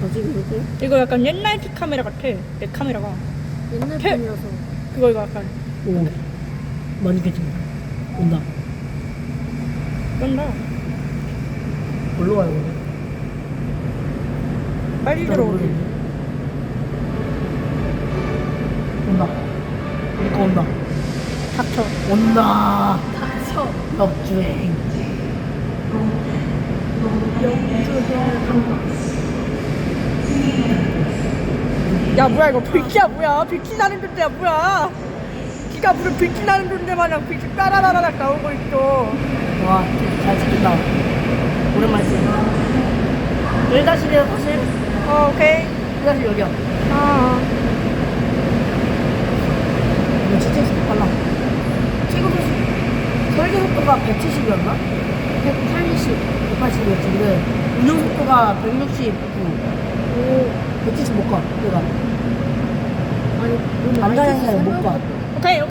거지 그게? 이거 약간 옛날 카메라 같아. 내 카메라가. 옛날 캐- 편이라서. 이거 약간 오, 많이 괜찮아. 온다. 쩐다. 뭘로 가요, 오늘? 빨리 잘 들어오지. 모르겠네. 온다. 이거 온다. 닥쳐. 온다. 닥쳐. 역주행. 야 뭐야 이거 빌키야 뭐야? 빌키 나는 존재야 뭐야? 기가 무슨 빌키 나는 존재 마냥 빌키 따라라락 나오고 있어. 와, 잘 찍힌다. 오랜만에 찍힌다. 1-1이야, 사실. 오케이. 1-1 여기야. 이거 진짜 빨라. 최고 속도, 설계 속도가 170이었나? 180. 180이었지. 근데 운영 속도가 169. 오. 170 못 가, 내가. 아니, 오늘 남자는 못 가. 오케이.